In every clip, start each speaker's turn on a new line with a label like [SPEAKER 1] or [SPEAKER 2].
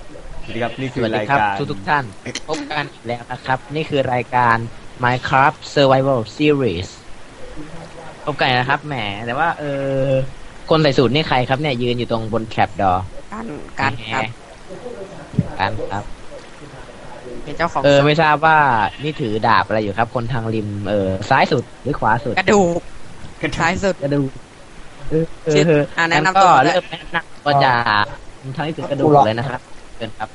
[SPEAKER 1] สวัสดีครับนี่คื
[SPEAKER 2] ส
[SPEAKER 1] อ
[SPEAKER 2] วัสดี
[SPEAKER 1] ราย
[SPEAKER 2] ครับ
[SPEAKER 1] การ
[SPEAKER 2] ทุกท่านพบกันอีกแล้วนะครับ นี่คือรายการ Minecraft Survival Series พบกันนะครับแหมแต่ว่าคนใส่สูทนี่ใครครับเนี่ยยืนอยู่ตรงบนแทร็ปดอ
[SPEAKER 3] การครับ
[SPEAKER 2] กันครับ
[SPEAKER 3] เป็นเจ้าของ
[SPEAKER 2] ไม่ทราบว่านี่ถือดาบอะไรอยู่ครับ คนทางริมซ้ายสุดหรือขวาสุด
[SPEAKER 3] กระดูกท้ายสุด
[SPEAKER 2] กระดูก
[SPEAKER 3] ชื่อแนะนำตัว
[SPEAKER 2] ก็เริ่มแนะนำก็จะทางที่ถือกระดูกเลยนะครับเชิญครับ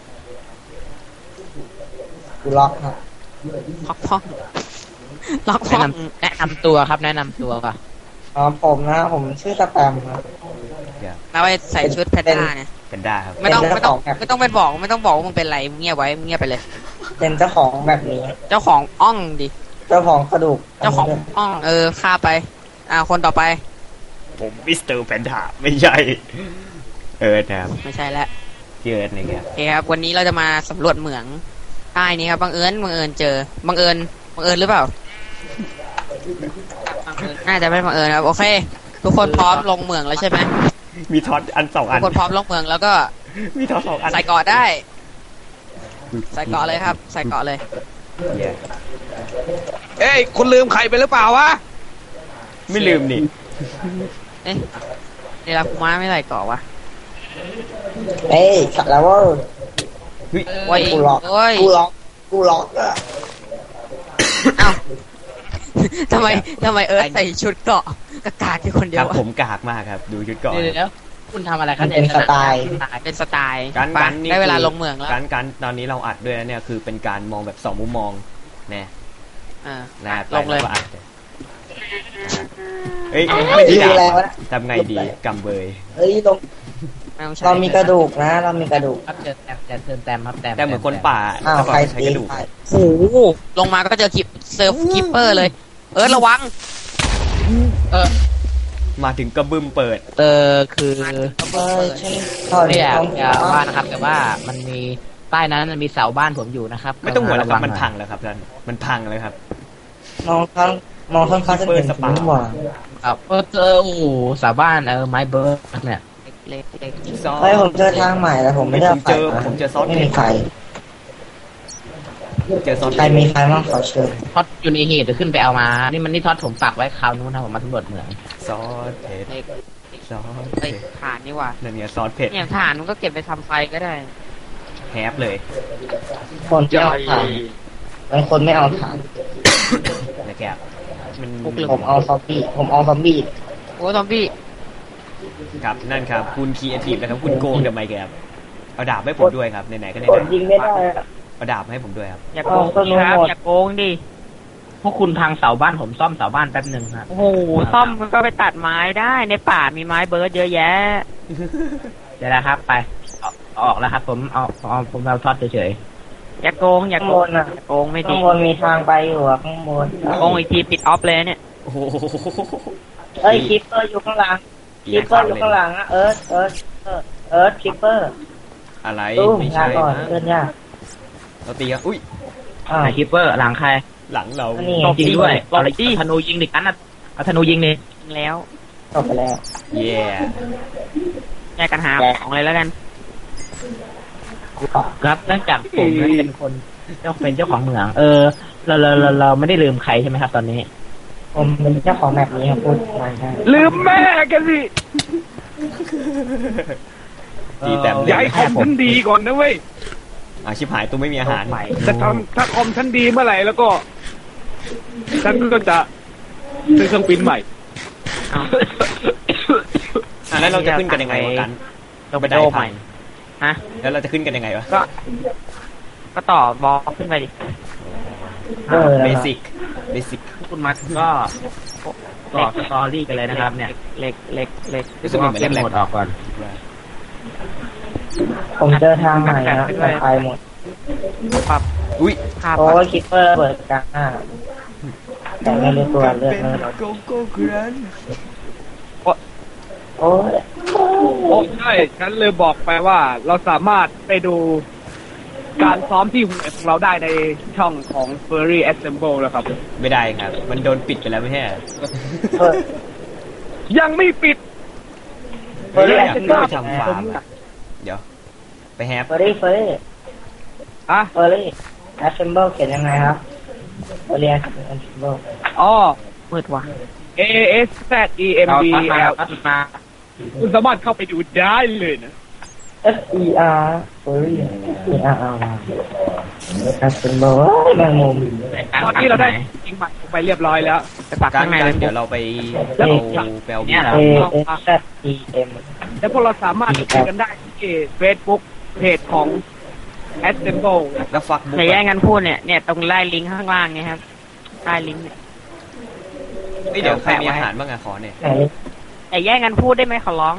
[SPEAKER 4] กูล็อกครับ
[SPEAKER 3] ล็อกห้องล็อกห้อง
[SPEAKER 2] แนะนำตัวครับแนะนำตัวก่อน
[SPEAKER 4] ผมนะผมชื่อสแปมครับ
[SPEAKER 3] แล้วไปใส่ชุดแพนด้าเนี่ย
[SPEAKER 1] เป็นได้ครับ
[SPEAKER 3] ไม่ต้อง
[SPEAKER 4] เป็น
[SPEAKER 3] ไม่
[SPEAKER 4] เจ้า
[SPEAKER 3] ต้
[SPEAKER 4] ข
[SPEAKER 3] อ
[SPEAKER 4] อง งแบบ
[SPEAKER 3] ไม่ต้องไปบอกไม่ต้องบอกว่ามึงเป็นไรมึงเงียบไว้มึงเงียบไปเลย
[SPEAKER 4] เป็นเจ้าของแบบนี้
[SPEAKER 3] เจ้าของอ่องดิ
[SPEAKER 4] เจ้าของกระดูก
[SPEAKER 3] เจ้าของอ่องฆ่าไปคนต่อไป
[SPEAKER 1] ผมมิสเตอร์แพนด้าไม่ใช่นะครับ
[SPEAKER 3] ไม่ใช่แล้ว
[SPEAKER 1] พี่เอิร์ธนะครับ
[SPEAKER 3] โอเคครับวันนี้เราจะมาสำรวจเหมืองใต้นี้ครับบังเอิญเจอบังเอิญหรือเปล่าน่าจะไม่บังเอิญครับโอเค ทุกคนพร้อมลงเหมืองแล้วใช่ไหม
[SPEAKER 1] มีท็อตอันสอง
[SPEAKER 3] ทุ
[SPEAKER 1] อั
[SPEAKER 3] ก
[SPEAKER 1] น
[SPEAKER 3] คนพร้อมลงเหมืองแล้วก็
[SPEAKER 1] มีท็อตสองอัน
[SPEAKER 3] ใส่เกราะได้ ใส่เกราะเลยครับ ใส่เกราะเลย
[SPEAKER 1] เย้
[SPEAKER 5] เอ้ยคุณลืมใครไปหรือเปล่าวะ
[SPEAKER 1] ไม่ลืมนี่
[SPEAKER 3] เอ๊ะเดลาคูมาไม่ใส่เกราะวะ
[SPEAKER 4] เอ้ยสัตว์แล้วว่า
[SPEAKER 3] โอ้ย
[SPEAKER 4] กูล็อก
[SPEAKER 3] โอ้ย
[SPEAKER 4] กูล็อกอะ
[SPEAKER 3] เอ้า ทำไมเอิร์ธใส่ชุดเกราะกากาอยู่คนเดี
[SPEAKER 1] ค
[SPEAKER 3] ย
[SPEAKER 1] รั
[SPEAKER 3] ว
[SPEAKER 1] บ
[SPEAKER 3] อะ
[SPEAKER 1] ผมกากมากครับ ดูชุดก่อน
[SPEAKER 2] เดี๋ยวคุณทำอะไรครับ
[SPEAKER 4] เป็นสไตล์
[SPEAKER 3] เป็นสไตล์
[SPEAKER 1] การ
[SPEAKER 3] ไป
[SPEAKER 1] การนี่
[SPEAKER 3] ได้เวลา
[SPEAKER 1] คือ
[SPEAKER 3] ลงเหมืองแล้ว
[SPEAKER 1] การตอนนี้เราอัดด้วยนะเนี่ยคือเป็นการมองแบบสองมุมมองนะ
[SPEAKER 3] อ่า
[SPEAKER 1] นะ
[SPEAKER 3] ลงเลย
[SPEAKER 1] ไปแวก็อัดเอ้ย
[SPEAKER 4] เอ้
[SPEAKER 1] ไม่
[SPEAKER 4] ย
[SPEAKER 1] ได้
[SPEAKER 4] ดูแล
[SPEAKER 1] ด่าว
[SPEAKER 4] ะ
[SPEAKER 1] ทำไงดีกำเบย
[SPEAKER 4] เอ้ยตรง
[SPEAKER 3] ไม่ต้องใช้
[SPEAKER 4] เรามีกระดูกนะ เรามีกระดูก
[SPEAKER 2] ครับเชิญแต้มครับแต้ม
[SPEAKER 1] แต่เหมือนคนป่า
[SPEAKER 4] อ้าว
[SPEAKER 1] ถ้า
[SPEAKER 4] ใคร
[SPEAKER 1] ใช้
[SPEAKER 4] ตี
[SPEAKER 1] กระดูก
[SPEAKER 4] ใคร
[SPEAKER 3] โอ้โหลงมาก็เจอเซิร์ฟคิปเปอร์เลย เอิร์ธระวัง
[SPEAKER 1] มาถึงกระบึมเปิด
[SPEAKER 2] คือ
[SPEAKER 4] เอ้ยใช่ตอน
[SPEAKER 2] ไม่อยาก
[SPEAKER 4] ต้อง
[SPEAKER 2] จะว่านะครับ แต่ว่ามันมีใต้นั้นมันมีเสาบ้านผมอยู่นะครับ
[SPEAKER 1] ไม่ต้องห่วงแล้วครับ
[SPEAKER 2] ะ
[SPEAKER 1] มัน
[SPEAKER 2] หอย
[SPEAKER 1] พังแล้วครับท่านมันพังแล้วครับ
[SPEAKER 4] มองข้างจะเห็นผมหว่า
[SPEAKER 2] ครับโอ้โหเสาบ้านไม้เบิร์ดเนี่ย
[SPEAKER 3] เล็ก
[SPEAKER 4] เฮ้ยผมเจอทางใหม่แล้วผมไม่ได้เอาไฟนะ
[SPEAKER 1] ผมเจอซอส
[SPEAKER 4] ไม่มีไฟ
[SPEAKER 1] เจอซอส
[SPEAKER 4] ใครมีไฟบ้างขอเชิญ
[SPEAKER 2] ท็อตอยู่ในเหตุเดี๋ยวขึ้นไปเอามา นี่ท็อตผมปักไว้คราวนู้นนะผมมาสำรวจเหมือง
[SPEAKER 1] ซอสเผ็ด
[SPEAKER 3] เล็ก
[SPEAKER 1] ซอส
[SPEAKER 3] เฮ้
[SPEAKER 1] เผ็
[SPEAKER 3] ย
[SPEAKER 1] ด
[SPEAKER 3] ถ่านนี่หว่า
[SPEAKER 1] นั่นเนี่ยซอสเผ็ด
[SPEAKER 3] เนี่ยถ่านมันก็เก็บไปทำไฟก็ได้
[SPEAKER 1] แฮปเลย
[SPEAKER 4] คนไม่เอาถ่านเป็นคนไม่เอาถ่าน
[SPEAKER 1] นะครับมัน
[SPEAKER 4] ผมเอาซอมบี้
[SPEAKER 3] โอ้ซอมบี้
[SPEAKER 1] ครับนั่นครับคุณครีเอทีฟนะครับคุณโกงทำไมแกครับเอาดาบให้ผมด้วยครับไหนๆก็ไหน
[SPEAKER 4] กดยิงไม่ได้อะ
[SPEAKER 1] ๆเอาดาบให้ผมด้วยครับ
[SPEAKER 3] อย่าโกง
[SPEAKER 4] เอาต้นไม้
[SPEAKER 3] ครับ
[SPEAKER 4] หมด
[SPEAKER 3] อย่าโกงดิ
[SPEAKER 2] พวกคุณพังเสาบ้านผมซ่อมเสาบ้านแป๊บหนึ่งครับ
[SPEAKER 3] โอ้โหซ่อมมันก็ไปตัดไม้ได้ในป่ามีไม้เบิร์ดเยอะแยะ
[SPEAKER 2] เดี๋ยวนะครับไปเอาออกแล้วครับ ผมเอาท็อตเฉย
[SPEAKER 3] อย่าโกงอย่า
[SPEAKER 4] ข้าง
[SPEAKER 3] โก
[SPEAKER 4] บ
[SPEAKER 3] ง
[SPEAKER 4] นอ่ะ
[SPEAKER 3] อย่าโกงไม่
[SPEAKER 4] ข้า
[SPEAKER 3] ดี
[SPEAKER 4] งบนมีทางไปอยู่อะข้างบน
[SPEAKER 3] โกงอีกทีปิดออฟเลยเนี่ย
[SPEAKER 1] โอ้โห
[SPEAKER 4] เอ้ยคิปเปอร์อยู่ข้างหลังคิปเปอร์อยู่ข้างหลังอะเอิร์ธคิปเปอร์
[SPEAKER 1] อะไร
[SPEAKER 4] ตู้
[SPEAKER 1] ไม่
[SPEAKER 4] ยา
[SPEAKER 1] ใช่
[SPEAKER 4] ก่อน
[SPEAKER 1] นะ
[SPEAKER 4] เพื่อนยาก
[SPEAKER 1] เราตีกันอุ้ย
[SPEAKER 4] อ้าว
[SPEAKER 2] ๆคิปเปอร์หลังใคร
[SPEAKER 1] หลังเรา
[SPEAKER 4] อันนี้
[SPEAKER 2] จริงด้วย
[SPEAKER 3] ตบดิ
[SPEAKER 2] เอาธนูยิงดิกันนะเอาธนูยิงดิ
[SPEAKER 3] แล้ว
[SPEAKER 4] จบไปแล้ว
[SPEAKER 1] เย่
[SPEAKER 3] แยกกันหาของเลยแล้วกัน
[SPEAKER 2] ครับเนื่องจากผมเป็นคนเป็นเจ้าของเหมืองเราไม่ได้ลืมใครใช่ไหมครับ ตอนนี้
[SPEAKER 4] ผมเป็นเจ้าของแบบนี้ครับพูดมาได้
[SPEAKER 5] ลืมแม่กันสิ
[SPEAKER 1] ตีแต้ม
[SPEAKER 5] อย่าให้คอมฉันดีก่อนนะเว้ย
[SPEAKER 1] ชิบหายตัวไม่มีอาหาร
[SPEAKER 5] ถ้าคอมฉันดีเมื่อไหร่แล้วก็ฉันก็จะซื้อเครื่องปริ้นใหม่
[SPEAKER 1] แล้วเราจะขึ้นกันยังไงวะกัน
[SPEAKER 3] ต้องไป
[SPEAKER 1] ได้
[SPEAKER 3] โด
[SPEAKER 1] พั
[SPEAKER 3] ใหม่
[SPEAKER 1] ง
[SPEAKER 3] ฮะ
[SPEAKER 1] แล้วเราจะขึ้นกันยังไงวะ
[SPEAKER 3] ก็ต่อบอลขึ้นไปดิ
[SPEAKER 1] เบสิก
[SPEAKER 2] คุณมาก็ต่อสตอรี่กันเลยนะครับ เนี่ย
[SPEAKER 3] เล็ก
[SPEAKER 1] รู้สึกเหมือน
[SPEAKER 2] เล่น
[SPEAKER 1] แร
[SPEAKER 2] โหม
[SPEAKER 1] ก
[SPEAKER 2] ดออกก่อน
[SPEAKER 4] ผมเจอทางใหม่นะแต่ไปหมด
[SPEAKER 3] ปรับ
[SPEAKER 1] อุ้ย
[SPEAKER 3] ภาพ
[SPEAKER 4] โอ้ยคิปเปอร์เปิดกลางหน้าแต่ไม่รู้ตัวเลือดไม่ลด
[SPEAKER 1] โกโก้กรัน
[SPEAKER 4] โอ้ย
[SPEAKER 5] โอ้ใช่ฉันเลยบอกไปว่าเราสามารถไปดูการซ้อมที่หัวของเราได้ในช่องของ Furry Assemble แล้วครับ
[SPEAKER 1] ไม่ได้ครับ มันโดนปิดไปแล้วไม่ใช่เหรอ
[SPEAKER 4] เออ
[SPEAKER 5] ยังไม่ปิด
[SPEAKER 1] เฮ้ยอยากขึ้นไปทำฟาร์มอะเดี๋ยวไปแฮป
[SPEAKER 4] เฟอร์รี่
[SPEAKER 5] อ่ะ
[SPEAKER 4] assemble เขียนยังไงครับเฟอร์รี่ assemble
[SPEAKER 5] อ๋อ
[SPEAKER 3] มืดว่ะ
[SPEAKER 5] A S Z E M
[SPEAKER 2] เอา
[SPEAKER 5] B
[SPEAKER 2] ทัดมา
[SPEAKER 5] L
[SPEAKER 2] ทัดมา
[SPEAKER 5] คุณสามารถเข้าไปดูได้เลยนะ
[SPEAKER 4] F E R เฟอร์รี่ E R R assemble แมงมุม
[SPEAKER 5] ตอนนี้เราได้จริงใหม่ลงไปเรียบร้อยแล้ว
[SPEAKER 3] ไปปัก
[SPEAKER 1] การ
[SPEAKER 3] ข้างใน
[SPEAKER 1] กั
[SPEAKER 3] เล
[SPEAKER 1] น
[SPEAKER 3] ย
[SPEAKER 1] เดี๋ยวเราไป
[SPEAKER 4] แล้ว
[SPEAKER 1] เอาแปล
[SPEAKER 2] เนี่ยเหรอ
[SPEAKER 4] A S Z E M
[SPEAKER 5] แล้วพวกเราสามารถคุยกันได้ที่ Facebook เพจของ Assemble
[SPEAKER 1] แล้วฟักบุ๊ก
[SPEAKER 3] อย่าแย่งกันพูดเนี่ยตรงไล่ลิงก์ข้างล่างเนี่ยครับใต้ลิงก์เนี่ย
[SPEAKER 1] เดี๋ยวใครมีอาหารบ้างอะขอเนี่ย
[SPEAKER 4] ไหน
[SPEAKER 3] อย่าแย่งกันพูดได้ไหมขอร้อง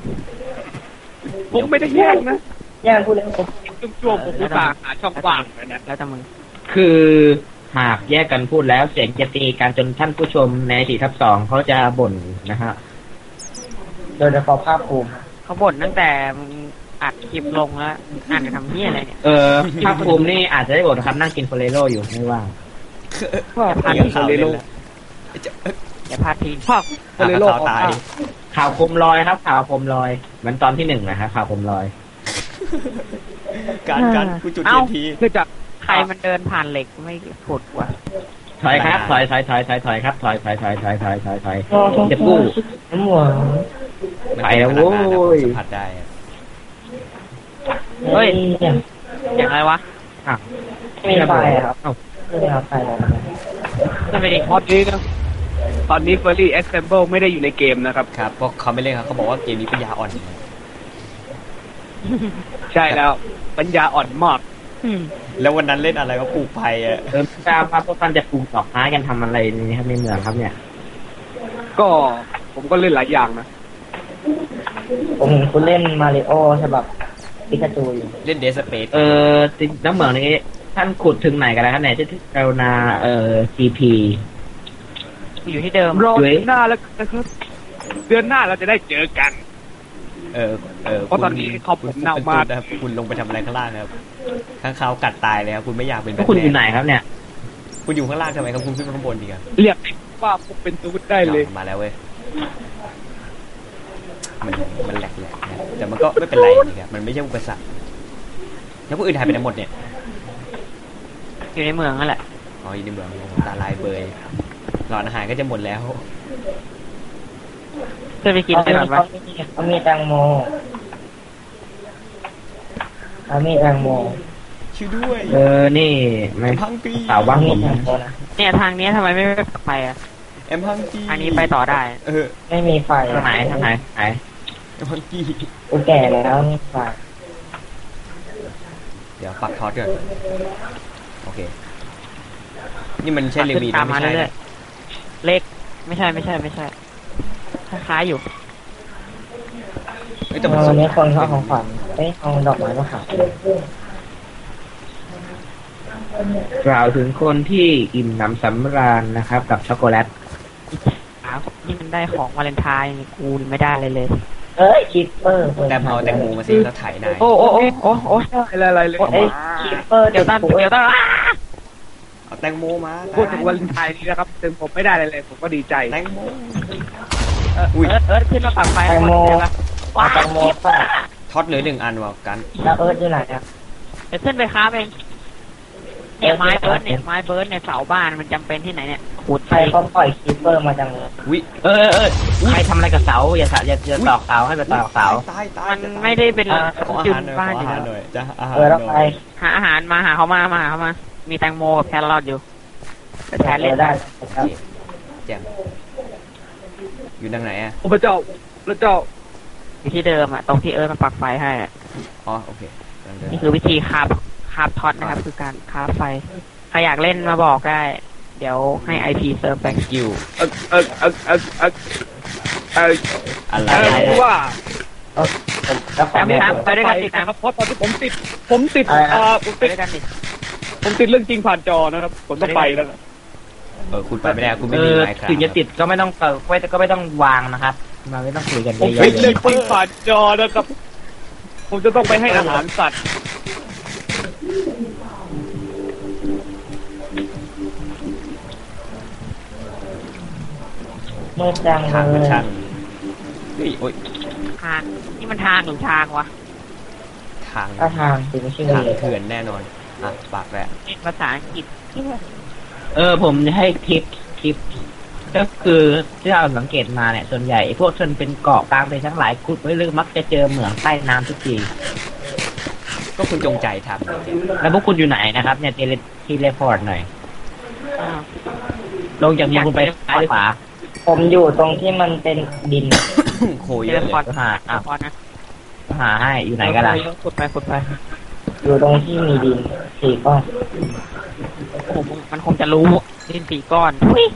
[SPEAKER 5] ผมไม่ได้แย่งนะ
[SPEAKER 4] ย่างพูดแล้วผม
[SPEAKER 5] ช่วงผมอุตส่าห์หาช่องว่างเลยนะ
[SPEAKER 3] แล้วแต่มึง
[SPEAKER 2] คือหากแยกกันพูดแล้วเสียงจะตีกันจนท่านผู้ชมใน4/2เขาจะบ่นนะฮะ
[SPEAKER 4] โดยเฉพาะภาพภูมิ
[SPEAKER 3] เขาบ่นตั้งแต่มึงอัดคลิปลงแล้วอ่านจะทำเหี้ยอะไรเนี่ย
[SPEAKER 2] ภาคภูมินี่อาจจะได้บ่นนะครับนั่งกินโฟเรโรอยู่ไม่ว่าง
[SPEAKER 3] อย่าพลาด
[SPEAKER 1] เดี๋ยว
[SPEAKER 3] พิง
[SPEAKER 1] ข่าวเล่นแล้ว
[SPEAKER 3] อย่าพลาดพิง
[SPEAKER 5] ภาคโฟเรโล
[SPEAKER 1] ข่าวตาย
[SPEAKER 2] ข่าวโคมลอยครับ ข่าวโคมลอยเหมือนตอนที่1นะฮะข่าวโคมลอย
[SPEAKER 1] การกูจุดเทียนที
[SPEAKER 5] เนื่องจาก
[SPEAKER 3] ใครมันเดินผ่านเหล็กไม่ขุดวะ
[SPEAKER 2] ถอยครับถอยครับถอยจะกู้
[SPEAKER 4] น้ำหวาน
[SPEAKER 2] ไปแล้วโว้ย
[SPEAKER 1] สัมผัสได้อะ
[SPEAKER 3] เฮ้ยอย่างไรวะ
[SPEAKER 4] ไม่มีไฟอะครับ
[SPEAKER 2] เอ้า
[SPEAKER 4] ไม่มีไฟแล้ว
[SPEAKER 3] ขึ้นไปดิ
[SPEAKER 5] ตอนนี้นะตอนนี้ Furry Assemble ไม่ได้อยู่ในเกมนะครับ
[SPEAKER 1] ครับเพราะเขาไม่เล่นครับเขาบอกว่าเกมนี้ปัญญาอ่อน
[SPEAKER 5] ใช่แล้วปัญญาอ่อนมาก
[SPEAKER 1] แล้ววันนั้นเล่นอะไรก็ปลูกไผ่อะ
[SPEAKER 2] ทราบว่าพวกท่านจะปลูกดอกไม้กันทำอะไรนี่ครับในเมืองครับเนี่ย
[SPEAKER 5] ก็ผมก็เล่นหลายอย่างนะ
[SPEAKER 4] ผมเห็นคุณเล่นมาริโอฉบับปิกาจูอยู่
[SPEAKER 1] เล่นเดสเปซ
[SPEAKER 2] น้ำเหมืองนี้ท่านขุดถึงไหนกันแล้วครับเนี่ยที่กรุณาGP
[SPEAKER 3] อยู่ที่เดิม
[SPEAKER 5] รอเดือนหน้าแล้วกันนะครับเดือนหน้าเราจะได้เจอกัน
[SPEAKER 1] เพราะตอนนี้ขอบคุณเน่ามากนะครับคุณลงไปทำอะไรข้างล่างครับข้างเขาวกัดตายเลยครับคุณไม่อยากเป็นแบ
[SPEAKER 2] พวก
[SPEAKER 1] บ
[SPEAKER 2] คุณอยู่ไหนครับเนี่ย
[SPEAKER 1] คุณอยู่ข้างล่างทำไมครับคุณขึ้นไปข้างบนดีครับ
[SPEAKER 5] เรียกว่าพวกเป็นตูดได้เลย
[SPEAKER 1] มาแล้วเว้ยมันแหลกๆนะแต่มันก็ไม่เป็นไรนะครับมันไม่ใช่อุปสรรคแล้วพวกอื่นหายไปไหนหมดเนี่ย
[SPEAKER 3] อยู่ในเมืองนั่นแหละ
[SPEAKER 1] อ๋ออยู่ในเมืองตาลายเบยหลอดอาหารก็จะหมดแล้ว
[SPEAKER 3] ขึ้นไปกินไปก่อนวะ
[SPEAKER 4] เขามีแตงโมเขามีแตงโม
[SPEAKER 1] ช่วยด้วย
[SPEAKER 2] นี่ไม่
[SPEAKER 1] พังกี
[SPEAKER 2] สาวว่าง
[SPEAKER 4] มี
[SPEAKER 2] ผม
[SPEAKER 4] แตงโมนะ
[SPEAKER 3] เนี่ยทางเนี้ยทำไมไม่ไปอ่ะ
[SPEAKER 1] แอมพังกี
[SPEAKER 3] ทางนี้ไปต่อได้
[SPEAKER 4] ไม่มีไฟ
[SPEAKER 2] ทางไหนทางไหนไหน
[SPEAKER 1] แอมพังกี
[SPEAKER 4] กูแก่แล้วไม่มีไฟ
[SPEAKER 1] เดี๋ยวปักทอดก่อนโอเคนี่มันใช่เลวี
[SPEAKER 3] ตาม
[SPEAKER 1] ไม่
[SPEAKER 3] มา
[SPEAKER 1] ใช่
[SPEAKER 3] เรื่อ
[SPEAKER 1] นะ
[SPEAKER 3] ยๆเลขไม่ใช่คล้ายๆอยู่
[SPEAKER 1] แต่มัน
[SPEAKER 4] วันนี้คนเขาของขวัญเอาดอกไม้มาขาย
[SPEAKER 2] กล่าวถึงคนที่อิ่มหนำสำราญนะครับ กับช็อกโกแลต
[SPEAKER 3] นี่มันได้ของวาเลนไทน์กูไม่ได้เลย
[SPEAKER 4] เอ้ยคิปเปอร์
[SPEAKER 1] แต่เอาแตงโมมาสิแล้วถ่ายนาย
[SPEAKER 3] โอ้
[SPEAKER 5] อะไรเลย
[SPEAKER 4] เอ้ยคิปเปอร์
[SPEAKER 3] เดี๋ยวตั้ง
[SPEAKER 1] เอาแตงโมมา
[SPEAKER 5] พูดถึงวันไทยนี้นะครับถึงผมไม่ได้เลยผมก็ดีใจ
[SPEAKER 1] แตงโม
[SPEAKER 3] เอิร์ธขึ้นมาปักไฟ
[SPEAKER 4] แตงโม
[SPEAKER 3] ว้า
[SPEAKER 4] แตงโมป่ะ
[SPEAKER 1] ท็อตเหลือ1 อันว่ะกัน
[SPEAKER 4] แล้วเอิร์ธอยู่ไหนอ่ะ
[SPEAKER 3] เดี๋ยวขึ้นไปค้าเองเนี่ยไม้เบิร์ดเนี่ยเสาบ้านมันจำเป็นที่ไหนเนี่ยขุด
[SPEAKER 4] ใครเขาปล่อยคิปเปอร์มาจังเลย
[SPEAKER 1] วิ
[SPEAKER 2] ใครทำอะไรกับเสาอย่าตอกเสาให้ไปตอกเสา
[SPEAKER 1] ตาย
[SPEAKER 3] มันไม่ได้เป็น
[SPEAKER 1] ขออา
[SPEAKER 3] จุด
[SPEAKER 1] หารหน่อย
[SPEAKER 3] บ้าน
[SPEAKER 1] ขอ
[SPEAKER 3] อ
[SPEAKER 1] อา
[SPEAKER 3] ยู่
[SPEAKER 1] หาร
[SPEAKER 3] แล้ว
[SPEAKER 1] หน่อยจ้ะอาหาร
[SPEAKER 4] แล้ว
[SPEAKER 1] ห
[SPEAKER 4] ใค
[SPEAKER 1] น่
[SPEAKER 4] ร
[SPEAKER 1] อย
[SPEAKER 3] หาอาหารมาหาเขามามีแตงโมกับแครอทอยู่ไปแทนเล่น
[SPEAKER 4] ได้ครับ
[SPEAKER 1] แจ่มอยู่ทางไหนอ่ะ
[SPEAKER 5] โอ้พระเจ้าพระเจ้า
[SPEAKER 3] อยู่ที่เดิมอ่ะตรงที่เอิร์ธมาปักไฟให้อะ
[SPEAKER 1] อ๋อโอเคทางเดิน
[SPEAKER 3] นี่คือวิธีคาบท็อตนะครับ คือการคาบไฟใครอยากเล่นมาบอกได้ เดี๋ยวให้ IP เซิร์ฟไป
[SPEAKER 1] thank you อะไร
[SPEAKER 5] ว่า
[SPEAKER 4] แล้วขอ
[SPEAKER 3] แอม
[SPEAKER 4] แม่
[SPEAKER 3] ไปด้วยกันติด
[SPEAKER 5] นะ
[SPEAKER 3] นะ
[SPEAKER 5] ค
[SPEAKER 3] ค
[SPEAKER 5] รั
[SPEAKER 3] รั
[SPEAKER 5] บบ เพราะตอนที่ผมติดผม
[SPEAKER 3] ไป
[SPEAKER 5] ติด
[SPEAKER 3] ด้วยกันดิ
[SPEAKER 5] ผมติดเรื่องจริงผ่านจอนะครับผมต้องไปแล้ว
[SPEAKER 1] คุณไปไม่ได้คุณไม่มีไมค์ครับ
[SPEAKER 2] ถึงจะติดก็ไม่ต้องก็ไม่ต้องวางนะครับมาไม่ต้องคุยกัน
[SPEAKER 5] ผม
[SPEAKER 2] เย
[SPEAKER 5] ติ
[SPEAKER 2] อะ
[SPEAKER 5] ดเรื่องจริงผ่านจอนะครับผมจะต้องไปให้อาหารสัตว์
[SPEAKER 4] เมื่อจัง
[SPEAKER 1] ทาง
[SPEAKER 4] เล
[SPEAKER 1] มัน
[SPEAKER 4] ย
[SPEAKER 1] ช่างเฮ้ยโอ้ย
[SPEAKER 3] ทางนี่มันทางหรือทางวะ
[SPEAKER 1] ททาง
[SPEAKER 4] ท่าทางสิไม่ใช่
[SPEAKER 1] ทาง
[SPEAKER 4] เลย
[SPEAKER 1] เถื่อนแน่นอนอ่ะปากแล้ว
[SPEAKER 3] ภาษาอังกฤษ
[SPEAKER 2] ผมจะให้คลิปก็คือที่เราสังเกตมาเนี่ยส่วนใหญ่พวกชนเป็นเกาะกลางไปทั้งหลายขุดไว้ลึกมักจะเจอเหมืองใต้น้ำทุกที
[SPEAKER 1] ก็คุณจงใจทำ
[SPEAKER 2] แล้วพวกคุณอยู่ไหนนะครับเนี่ยทีเลพอร์ตหน่อย
[SPEAKER 3] อ้าว
[SPEAKER 2] ลงจากเมืองคุณไปซ้ายหรือขวา
[SPEAKER 4] ผมอยู่ตรงที่มันเป็นดิน
[SPEAKER 1] โค
[SPEAKER 3] เท
[SPEAKER 1] เย
[SPEAKER 3] เล
[SPEAKER 1] อะเล
[SPEAKER 3] พอร์ต
[SPEAKER 1] ย
[SPEAKER 2] หาอ่ะ
[SPEAKER 3] พอร์ตนะ
[SPEAKER 2] หาให้อยู่ไหนกันล่ะ
[SPEAKER 3] ขุดไปขุดไป
[SPEAKER 4] อยู่ตรงที่มีดินสี่ก้อน
[SPEAKER 3] โอ้โหมันคงจะรู้ดิน4 ก้อน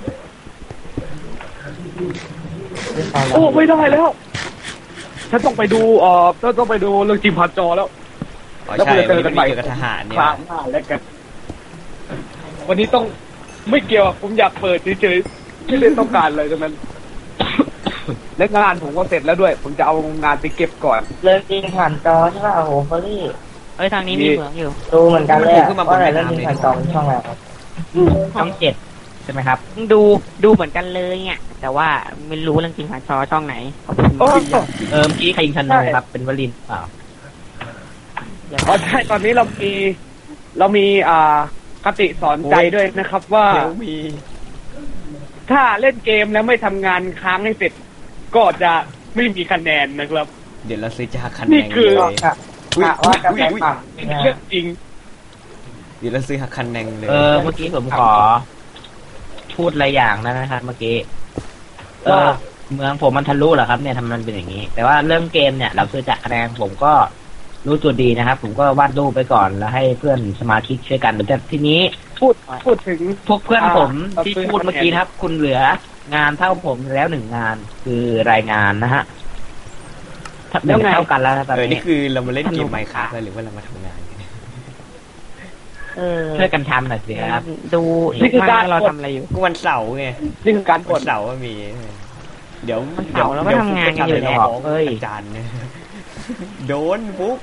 [SPEAKER 5] โอ้ไม่ได้แล้วฉันต้องไปดูต้องไปดูเรื่องจิมพันจอแล้ว
[SPEAKER 1] อ๋อ
[SPEAKER 5] แล้ว
[SPEAKER 1] ใช่
[SPEAKER 5] คุณจะเจอกันใหม่
[SPEAKER 1] เกี่ยวกับทหารเนี่ย
[SPEAKER 5] ครั้งหน้าแล้วกัน วันนี้ต้องไม่เกี่ยวอะผมอยากเปิดเฉยๆไม่ได้ต้องการเลยทั้งนั้น และงานผมก็เสร็จแล้วด้วย ผมจะเอางานไปเก็บก่อน
[SPEAKER 4] เรื่องจริงผ่านจอใช่ป่ะโอ้โหเฟอร์รี่
[SPEAKER 3] เอ้ยทางนี้มีเหมืองอยู่
[SPEAKER 4] ดูเหมือนกันเลยอะว่าอะไรเรื่องจริงผ่านจอเป็นช่องอะไรครับ
[SPEAKER 2] ช่อง7ใช่ไหมครับ
[SPEAKER 3] ดูเหมือนกันเลยเนี่ยแต่ว่าไม่รู้เรื่องจริงผ่านจอช่องไหนขอบคุณ
[SPEAKER 5] โอ้
[SPEAKER 2] เมื่อกี้ใครยิงธนูครับเป็นวลินเปล่า
[SPEAKER 3] อย่า
[SPEAKER 5] อ๋อใช่ตอนนี้เรามีคติสอนใจด้วยนะครับ ว่า
[SPEAKER 1] เดี๋ยวมี
[SPEAKER 5] ถ้าเล่นเกมแล้วไม่ทำงานค้างให้เสร็จ ก็จะไม่มีคะแนนนะครับ
[SPEAKER 1] เดี๋ยวเราซื้อจะหักคะแน
[SPEAKER 5] นี่
[SPEAKER 1] น
[SPEAKER 5] คือ
[SPEAKER 1] เลย
[SPEAKER 4] กะว่าจะไปปรับ
[SPEAKER 5] เป็นเรื่องจริง
[SPEAKER 1] เดี๋ยวเราซื้อหักคะแนนเลย
[SPEAKER 2] เมื่อกี้ผมขอ พูดอะไรอย่างนะครับเมื่อกี้
[SPEAKER 5] ว่า
[SPEAKER 2] เมืองผมมันทะลุเหรอครับเนี่ยทำไมมันเป็นอย่างนี้ แต่ว่าเรื่องเกมเนี่ยเราคือจากคะแนนผมก็รู้ตัวดีนะครับ ผมก็วาดรูปไปก่อนแล้วให้เพื่อนสมาชิกช่วยกันแต่ทีนี้
[SPEAKER 5] พูดถึง
[SPEAKER 2] พวกเพื่อนผม
[SPEAKER 5] อ่า
[SPEAKER 2] ที่พูดเมื่อกี้นะครับ คุณเหลืองานเท่าผมแล้ว1 งานคือรายงานนะฮะถ้าเป็นเท่ากันแล้วนะตอน
[SPEAKER 1] นี่
[SPEAKER 2] นี้
[SPEAKER 1] คือเรามาเล่นเกมไมค์ครับหรือว่าเรามาทำงานกันเนี่ย
[SPEAKER 2] ช่วยกันทำหน่อยสิครับ
[SPEAKER 3] ดู
[SPEAKER 5] นี่คือการ
[SPEAKER 3] ว่าเราทำอะไรอยู่
[SPEAKER 1] ก็วันเสาร์ไง
[SPEAKER 5] นี่คือการก
[SPEAKER 1] วั
[SPEAKER 5] ด
[SPEAKER 1] นเสาร์ก็มี เดี๋ยว
[SPEAKER 3] วันเสาร์เราก็ทำงานกันอยู่แล้ว
[SPEAKER 1] เฮ้ยอาจารย์เนี่ยโดนปุ๊บ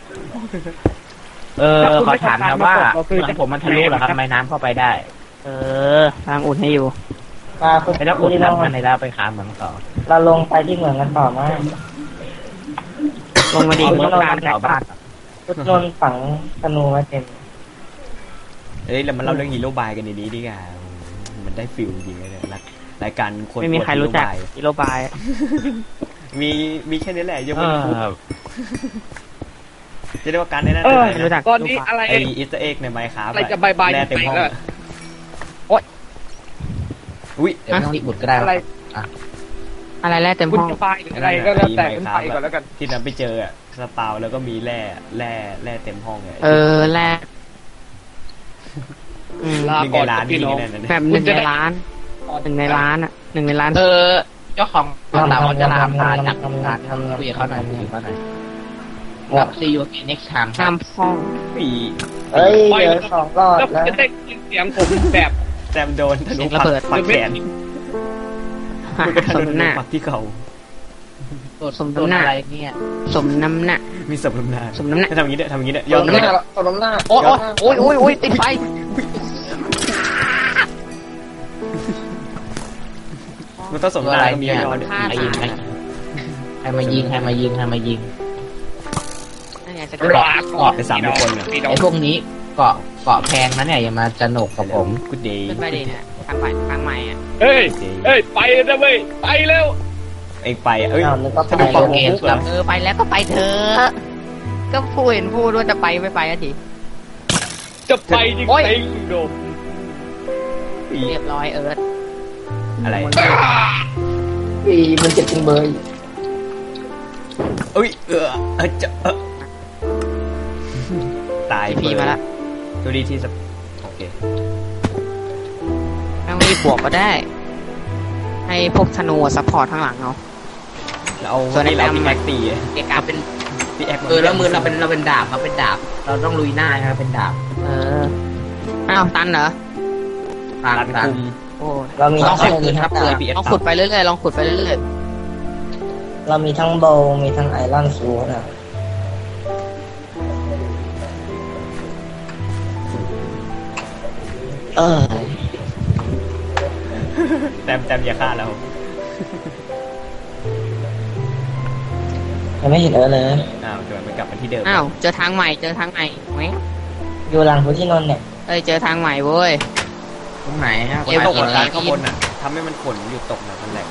[SPEAKER 2] ขอถามนะว่าเมืองผมมันทะลุเหรอครับทำไมน้ำเข้าไปได้
[SPEAKER 3] ทางอุ่นให้อยู่
[SPEAKER 4] มาคุณ
[SPEAKER 2] ไปแล้วอุด
[SPEAKER 4] ที่เรา
[SPEAKER 2] น้ำมันในแล้วไปค้าเมืองต่อ
[SPEAKER 4] เราลงไปที่เหมืองกันต่อมา
[SPEAKER 3] ลงมาดี
[SPEAKER 2] เอา
[SPEAKER 3] เมือง
[SPEAKER 2] ต้
[SPEAKER 3] กลาง
[SPEAKER 2] แถวบ้าน
[SPEAKER 4] พุทธนนท์ฝังธนูไว้เต็ม
[SPEAKER 1] เอ้ยเรามาเล่าเรื่องฮีโร่บายกันดีๆดีกว่ามันได้ฟิลจริงเลยเนี่ยรายการคน
[SPEAKER 3] ไม่มีใครรู้จัก
[SPEAKER 1] ฮี
[SPEAKER 3] ฮิโรบาย
[SPEAKER 1] มีแค่นี้แหละยัง
[SPEAKER 2] เอ
[SPEAKER 1] ไม่รู้
[SPEAKER 2] อ
[SPEAKER 1] จะได้ว่าการในนั้น
[SPEAKER 3] ไม่รู้จัก
[SPEAKER 5] ตอนนี้อะไร
[SPEAKER 1] ไออีสเอ็กในไมค์ครับ
[SPEAKER 5] อะไรจะบายๆ
[SPEAKER 1] แร่เต็มห้อง
[SPEAKER 5] ไหนล่ะ
[SPEAKER 1] อุ้ย
[SPEAKER 2] เดี๋ยวไม่ต้องรีบอุดก็ได้
[SPEAKER 5] อะไร
[SPEAKER 3] อะไรแรกเต็ม
[SPEAKER 5] คุณ
[SPEAKER 3] ห้อง
[SPEAKER 5] จะไฟหรืออะไรก็แล้วแต่คุณไปก่อนแล้วกัน
[SPEAKER 1] ที่นั้นไปเจออะสปาวแล้วก็มีแร่เต็มห้องเลย
[SPEAKER 3] แรกอืม
[SPEAKER 5] ลา
[SPEAKER 1] หนึ่ง
[SPEAKER 5] ก่
[SPEAKER 1] ใน
[SPEAKER 5] อน
[SPEAKER 1] ร้าน
[SPEAKER 5] พี่
[SPEAKER 1] นี่
[SPEAKER 5] น้อง
[SPEAKER 1] นั่นน่ะ
[SPEAKER 3] แบบหนึ่งในร้านหนึ่งในร้านอ่ะหนึ่งในร้าน
[SPEAKER 2] เจ้าของเราจะลาพาจากร้านคุยกับเขาหน่อยคุยกับเขาหน่อยกับ see you again next time
[SPEAKER 3] ห้ามห้อง
[SPEAKER 1] ปี
[SPEAKER 4] เอ้ยเหลือ2 รอด
[SPEAKER 5] แล้ว
[SPEAKER 4] แล้ว
[SPEAKER 5] จะได้ยินเสียงผมแบบ
[SPEAKER 1] แซมโดนธนู
[SPEAKER 3] ระเบิด
[SPEAKER 1] ปักแขนคุณก็ธ
[SPEAKER 3] สม
[SPEAKER 1] นู
[SPEAKER 3] น้ำหน้า
[SPEAKER 1] ปักที่เขา
[SPEAKER 3] สมน้ำหน้า
[SPEAKER 2] อะไรเนี่ย
[SPEAKER 3] สมน้ำหน้า
[SPEAKER 1] มีสมน้ำหน้า
[SPEAKER 3] สมน้ำหน้า
[SPEAKER 1] ทำอย่างนี้เนี่ยทำอย่างนี้เนี่ย
[SPEAKER 4] ตบน้ำหน้าตบน้ำหน้า
[SPEAKER 3] โอ้ยติดไฟ
[SPEAKER 1] มันต้องสมน้ำหน้าก็มีย้อน
[SPEAKER 3] ฆ่า
[SPEAKER 2] ใครยิง
[SPEAKER 3] ตาย
[SPEAKER 2] ใครมายิงใครมายิงใครมายิง
[SPEAKER 3] นั่นไงจะ
[SPEAKER 2] เกาะเกาะ
[SPEAKER 1] ไปสามคนอ่ะ
[SPEAKER 5] พี่น้อง
[SPEAKER 2] ไอ้พวกนี้เกาะแพงนะเนี่ยอย่ามาจะหนกกับผม
[SPEAKER 1] กูเดย์
[SPEAKER 3] ขึ้นไปดิเนี่ยทางใหม่อ่ะ
[SPEAKER 5] เฮ้ยไปนะเว้ยไปเร็ว
[SPEAKER 1] เองไปอ่ะเอ้ย
[SPEAKER 4] อ้าวนึกว่า
[SPEAKER 1] ธนูปัก
[SPEAKER 4] ไป
[SPEAKER 1] มุกเหรอ
[SPEAKER 3] ไปแล้วก็ไปเถอะก็พูดเห็นพูดว่าจะไปไม่ไปอะที
[SPEAKER 5] จะไปจริง
[SPEAKER 3] โอ้ย
[SPEAKER 5] ๆโดม
[SPEAKER 3] เรียบร้อยเอิร์ธ
[SPEAKER 1] อะไร
[SPEAKER 4] ปีมันเจ็บจริงเบย
[SPEAKER 1] เอ้ยจะตาย
[SPEAKER 3] พีมาละ
[SPEAKER 1] ดูดีที่สับโอเค
[SPEAKER 3] ไม่รีบบวกก็ได้ ให้พวกธนูซัพพอร์ตข้างหลังเอา
[SPEAKER 1] แล้วเอา
[SPEAKER 3] ส่วนไอ้
[SPEAKER 1] เรา
[SPEAKER 3] แบม
[SPEAKER 1] พี่แม็กตี
[SPEAKER 2] เอกาเป็น
[SPEAKER 1] พี่แอ็ก
[SPEAKER 2] แล้วมือเราเป็นดาบครับเป็นดาบ เราต้องลุยหน้าครับเป็นดาบ
[SPEAKER 3] อ้าวตันเหรอ
[SPEAKER 2] ตาม
[SPEAKER 1] รัน
[SPEAKER 2] ตาม
[SPEAKER 1] คุม
[SPEAKER 3] โอ้
[SPEAKER 4] เรามี
[SPEAKER 2] ต้อง
[SPEAKER 4] ทั้ง
[SPEAKER 2] ขอบคุณครับ
[SPEAKER 4] ดาบ
[SPEAKER 3] ลองขุดไปเรื่อยๆลองขุดไปเรื่อย
[SPEAKER 4] เรามีทั้งโบว์มีทั้งไอรอนซูนะ
[SPEAKER 1] แต้มอย่าฆ่าเรา
[SPEAKER 4] ยังไม่เห็นเลย
[SPEAKER 1] อ้าวเกิดไม่กลับมาที่เดิม
[SPEAKER 3] อ้าวเจอทางใหม่ไหม
[SPEAKER 4] อยู่หลังพุทธินนท์เนี่ย
[SPEAKER 3] เจอทางใหม่เว้ย
[SPEAKER 2] ตรงไหนฮะ
[SPEAKER 1] ฝนตกมาข้างบนอ่ะทำให้มันฝนหยุดตกนะมันแหลก